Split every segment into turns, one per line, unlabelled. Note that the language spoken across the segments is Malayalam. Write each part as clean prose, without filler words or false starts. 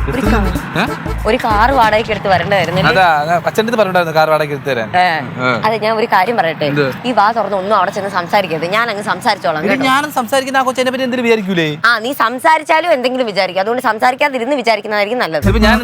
ഒരു കാർ വാടകയ്ക്ക് എടുത്ത് വരണ്ടായിരുന്നു. അതെ, ഞാൻ ഒരു കാര്യം പറയട്ടെ. ഈ വാ തുറന്ന് ഒന്നും അവിടെ ചെന്ന് സംസാരിക്കരുത്. ഞാൻ അങ്ങ് സംസാരിച്ചോളാം. ആ, നീ സംസാരിച്ചാലും എന്തെങ്കിലും വിചാരിക്കും. അതുകൊണ്ട് സംസാരിക്കാതിരുന്ന് വിചാരിക്കുന്നതായിരിക്കും നല്ലത്.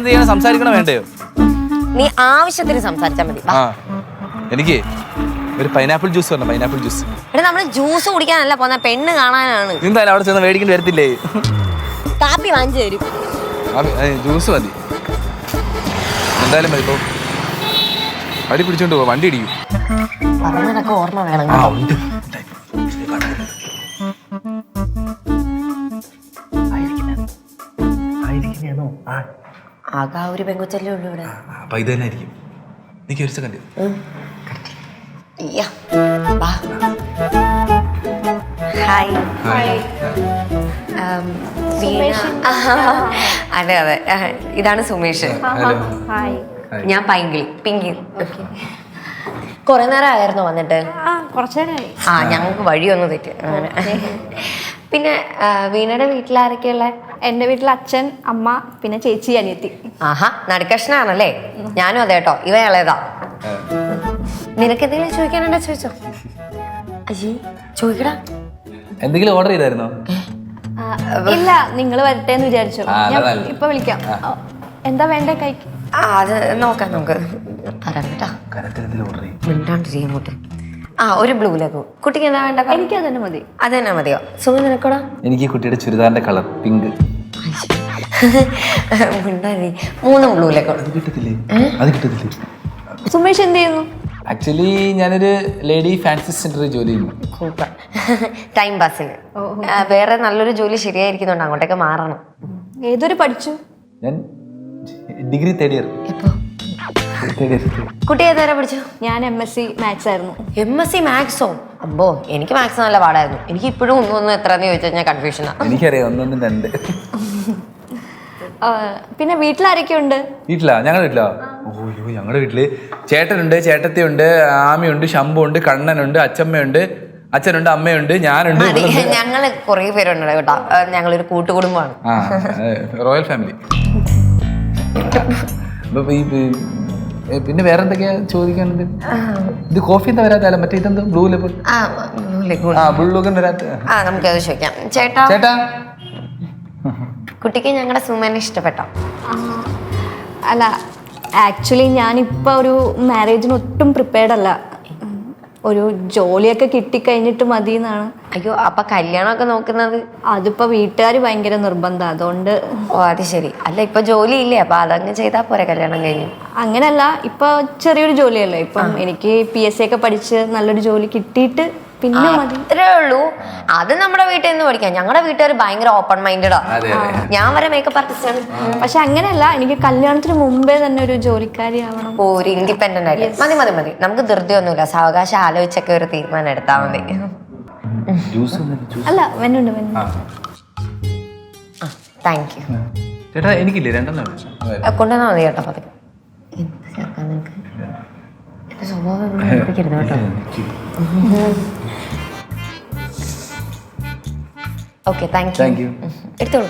നീ ആവശ്യത്തിന് സംസാരിച്ചാൽ മതി.
എനിക്ക് ഒരു പൈനാപ്പിൾ ജ്യൂസ് വേണം. Pineapple juice.
എടാ, നമ്മള് ജ്യൂസ് കുടിക്കാനല്ല പോന്ന, പെണ്ണ് കാണാനാണ്.
എന്തായാലും അവിടെ ചെന്ന് മേടിക്കേണ്ടി വരത്തില്ലേ?
കാപ്പി വാങ്ങിച്ചു തരും.
ജ്യൂസ് മതി. എന്തായാലും മതി. ഇപ്പൊ അടി പിടിച്ചോണ്ട് പോവാ, വണ്ടി ഇടിക്കും.
പറഞ്ഞതൊക്കെ ഓർമ്മ വേണം. ആകെ ഒരു പെങ്കൊച്ചല്ലേ ഉള്ളൂ ഇവിടെ.
അപ്പൊ ഇത് തന്നെ ആയിരിക്കും. നീ ഒരു സെക്കൻഡ്.
അതെ അതെ, ഇതാണ് സുമേഷ്. ഞാൻ പിങ്കി. കൊറേ നേരം ആയിരുന്നോ വന്നിട്ട്? ഞങ്ങൾക്ക് വഴിയൊന്നും തെറ്റി. പിന്നെ വീണയുടെ വീട്ടിലാരൊക്കെയുള്ള?
എൻ്റെ വീട്ടിൽ അച്ഛൻ, അമ്മ, പിന്നെ ചേച്ചി, അനിയത്തി.
ആഹാ, നടുക്കഷ്ണാണല്ലേ. ഞാനും അതെ കേട്ടോ. ഇവ ഇളയതാ. നിനക്ക് എന്തെങ്കിലും ചോദിക്കാനുണ്ടോ? ചോദിച്ചോ. അയ്യേ, ചോദിക്കടാ.
എന്തെങ്കിലും ഓർഡർ ചെയ്തായിരുന്നോ?
ഇല്ല, നിങ്ങൾ വരട്ടെ എന്ന് വിചാരിച്ചു. ഞാൻ ഇപ്പൊ വിളിക്കാം. എന്താ വേണ്ടേ കഴിക്കും?
അത് നോക്കാം നമുക്ക്. മിണ്ടാണ്ടിരിക്കോട്ടെ. ഒരു ബ്ലൂ ലഗു. കുട്ടിക്ക് എന്താ വേണ്ട?
എനിക്ക് അതന്നെ മതി.
അതന്നെ മതിയോ? സുഖം നിനക്കോടാ?
എനിക്ക് കുട്ടിയുടെ ചുരിദാറിന്റെ കളർ പിങ്ക്.
മിണ്ടാതി. 3 ബ്ലൂ ലഗു.
അത് കിട്ടത്തില്ലേ?
സുമേഷ് എന്ത് ചെയ്യുന്നു?
ആക്ച്വലി ഞാനൊരു ലേഡി ഫാൻസി സെന്ററിൽ ജോലി ചെയ്യുന്നു.
ടൈം പാസിന്. വേറെ നല്ലൊരു ജോലി ശരിയായിരിക്കുന്നുണ്ട്, അങ്ങോട്ടേക്ക് മാറണം.
ഏതൊരു പഠിച്ചു?
ഞാൻ ഡിഗ്രി 3rd ഇയർ.
കുട്ടി ഏതുവരെ പഠിച്ചു?
ഞാൻ MSc മാത്സ് ആയിരുന്നു.
MSc മാത്സോ? അമ്പോ, എനിക്ക് മാത്സ് നല്ല പാടായിരുന്നു. എനിക്ക് ഇപ്പോഴും ഒന്നും എത്രയെന്ന് ചോദിച്ചാൽ ഞാൻ കൺഫ്യൂഷനാ.
എനിക്കറിയാം, 1, 2.
പിന്നെ വീട്ടിലാരൊക്കെ ഉണ്ട്?
ഞങ്ങളുടെ വീട്ടിലോ? ഓയ്യോ, ഞങ്ങളുടെ വീട്ടില് ചേട്ടനുണ്ട്, ചേട്ടത്തിയുണ്ട്, ആമിയുണ്ട്, ശംഭു ഉണ്ട്, കണ്ണനുണ്ട്, അച്ഛമ്മയുണ്ട്, അച്ഛനുണ്ട്, അമ്മയുണ്ട്, ഞാനുണ്ട്.
ഞങ്ങള് കൊറേ പേരുണ്ട് കേട്ടോ. ഞങ്ങളൊരു കൂട്ടുകുടുംബമാണ്.
Royal family. പിന്നെ വേറെ എന്തൊക്കെയാ ചോദിക്കാനുണ്ട്? ഇത് കോഫി എന്താ വരാത്ത? മറ്റേ ഇതെന്താ ബ്ലൂ ലെബൽ? ബ്ലൂ ലെബൽ വരാത്ത.
നമുക്കത് ചോദിക്കാം. ചേട്ടാ, കുട്ടിക്ക് ഞങ്ങളുടെ സുമേനെ ഇഷ്ടപ്പെട്ടോ?
അല്ല, ആക്ച്വലി ഞാനിപ്പോൾ ഒരു മാരേജിന് ഒട്ടും പ്രിപ്പയർഡ് അല്ല. ഒരു ജോലിയൊക്കെ കിട്ടിക്കഴിഞ്ഞിട്ട് മതി എന്നാണ്.
അയ്യോ, അപ്പൊ കല്യാണമൊക്കെ നോക്കുന്നത്?
അതിപ്പോൾ വീട്ടുകാർ ഭയങ്കര നിർബന്ധം, അതുകൊണ്ട്.
ഓ, അത് ശരി. അല്ല, ഇപ്പൊ ജോലി ഇല്ലേ? അപ്പൊ അതങ്ങ് ചെയ്താൽ പോരെ കല്യാണം കഴിഞ്ഞു?
അങ്ങനല്ല, ഇപ്പൊ ചെറിയൊരു ജോലിയല്ലേ. ഇപ്പം എനിക്ക് PSC ഒക്കെ പഠിച്ച് നല്ലൊരു ജോലി കിട്ടിയിട്ട് പിന്നെ മതി.
അത്രേ ഉള്ളൂ. അത് നമ്മുടെ വീട്ടിൽ നിന്ന് പഠിക്കാം. ഞങ്ങളുടെ വീട്ടുകാർ ഭയങ്കര ഓപ്പൺ മൈൻഡഡാ. ഞാൻ വരെ മേക്കപ്പ് ആർട്ടിസ്റ്റ് ആണ്.
പക്ഷെ അങ്ങനെയല്ല, എനിക്ക് കല്യാണത്തിന് മുമ്പേ തന്നെ ഒരു ജോലിക്കാരി ആവണം.
ഒരു ഇൻഡിപെൻഡന്റ് ആയിട്ട്. മതി. നമുക്ക് ധൃതിയൊന്നുമില്ല. സാവകാശം ആലോചിച്ചൊക്കെ ഒരു തീരുമാനം എടുത്താൽ മതി.
അല്ല, വെന്നുണ്ട്.
Thank you.
ചേട്ടാ, എനിക്കില്ലേ 2
കൊണ്ടുവന്നാൽ മതി കേട്ടോ. പതുക്കെ. എന്ത് ചേർക്കാൻ നിനക്ക്? എന്റെ സ്വഭാവം പഠിപ്പിക്കരുത് കേട്ടോ. Okay, thank you. എടുത്തോളൂ.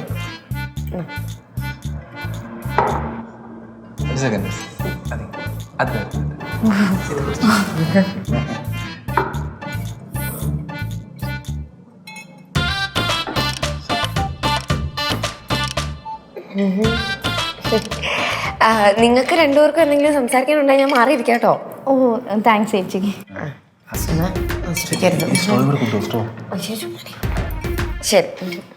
നിങ്ങൾക്ക് രണ്ടുപേർക്കും എന്തെങ്കിലും സംസാരിക്കാനുണ്ടെങ്കിൽ ഞാൻ മാറിയിരിക്കാം കേട്ടോ.
ഓ, താങ്ക്സ് ചേച്ചിക്ക്.
ശരി.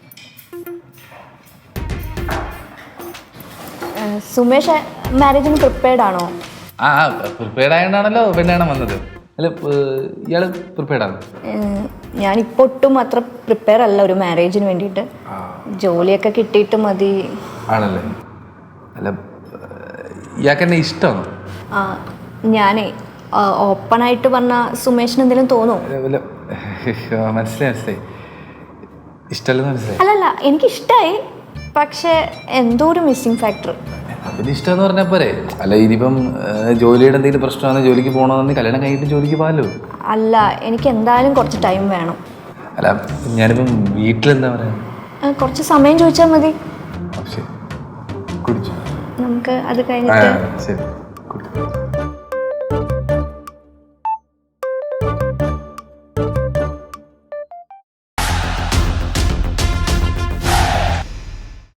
സുമേഷ് മാരേജിന് പ്രിപ്പയർഡ് ആണോ?
പ്രിപ്പയർഡ് ആയതുകൊണ്ടാണല്ലോ പെണ്ണാണ് വന്നത്. അല്ല, ഇയാള് പ്രിപ്പയർഡ് ആണ്?
ഞാനിപ്പോൾ ഒട്ടും അത്ര പ്രിപ്പയർ അല്ല ഒരു മാരേജിന് വേണ്ടിയിട്ട്. ജോലിയൊക്കെ കിട്ടിയിട്ട് മതി.
ആണല്ലേ? അല്ല, ഇയാൾക്ക് എന്നെ ഇഷ്ടമാണോ?
ഞാനേ ഓപ്പണായിട്ട് പറഞ്ഞ സുമേഷിന് എന്തെങ്കിലും തോന്നുമോ?
മനസ്സിലായി. ഇഷ്ടമല്ലെന്ന് മനസ്സിലായി.
അല്ലല്ല, എനിക്കിഷ്ടമായി. പക്ഷെ എന്തോ ഒരു മിസ്സിങ് ഫാക്ടർ.
അതിന് ഇഷ്ടമെന്ന് പറഞ്ഞാൽ പോരെ? അല്ല, ഇനിയിപ്പം ജോലിയുടെ എന്തെങ്കിലും പ്രശ്നമാണ്, ജോലിക്ക് പോകണമെന്ന് കല്യാണം കഴിഞ്ഞിട്ട് ജോലിക്ക് പോകാമല്ലോ.
അല്ല, എനിക്ക് എന്തായാലും കുറച്ച് ടൈം വേണം.
അല്ല, ഞാനിപ്പം വീട്ടിലെന്താ പറയാ,
കുറച്ച് സമയം ചോദിച്ചാൽ മതി.
കുടിച്ചു.
നമുക്ക് അത്
ആ,
കഴിഞ്ഞിട്ട്
ശരി